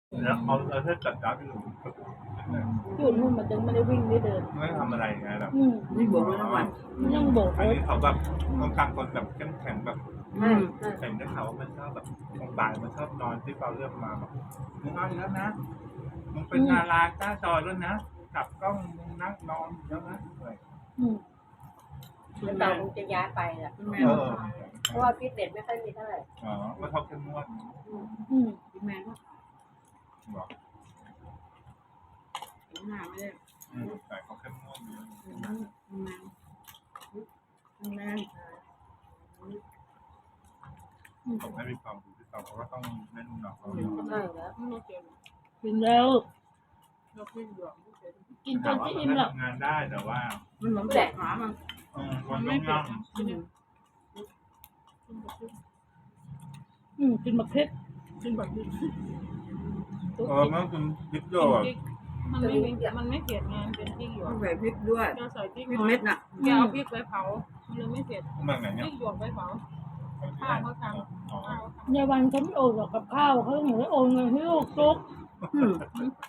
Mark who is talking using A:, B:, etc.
A: แล้วเอาเธอจัดจ้าไปหนู
B: อยู่นู่นมันยังไม่ได้วิ่งได้เดิน
A: ไม่ทำอะไรไงแบบ
C: นี่บวกด้วยทั้งวัน
B: ยังโบก
A: อัน
B: รถ
A: นี้เขาแบบต้องการคนแบบเข้มแข็งแบบ
C: อืม
A: เห็นได้ข่าวว่ามันชอบแบบตรงบ่ายมันชอบนอนที่เราเลือกมาแบบมึงเอาอีกแล้วนะมึงเป็นดาราหน้าจอแล้วนะจับกล้องมึงนั่งนอนแล้วนะอะไร
D: แล้วเราคงจะย้ายไปแหละ
C: คุณแม่
A: เออ
D: เพราะว่าฟิตเนสไม่ค่อยมีเท่าไหร่
A: อ๋อว่าชอบเข้มงวด
C: คุณแม่ก็
A: บอก
C: หน้าไม่ได้
A: แต่เขาเข้มงวดเยอะ
C: คุณแม่
A: ผมให้มีความรู้ที่เขาก็ต้องเล่นหนักเขา
D: ใช่แล้ว
B: กินแล้ว
C: เราขึ้นหยวก
B: กินจ
A: แต่
B: น
A: ว่า
B: จะ
A: มัน
B: อิ่มหรอก
A: ทำงานได้แต่ว่า
C: มันเหมือนแดกหมามัน
A: วันต้องนั่ง
B: กินมะเขือ
C: กินแบบนี้
A: มันคือดิบโยอ่ะ
E: มันไม่เผ็ดไงมันเป็นพริกหยว
C: ต้
E: ก
C: องใส่พริกด้วย
E: เราใส่พริก
C: พริก
E: น้อย
C: เม็ดน่ะ
E: แกเอาพริกไปเผามันเลยไม่เผ็ด
A: มันไง
E: พ
A: เนี่ย
E: ริกหยวกไปเผาข้าวเขาทำข้าวเขาท
B: ในวันเขาไม่โอนหรอกกับข้าวเขาเหมือนโอนเงินให้ลูกซุก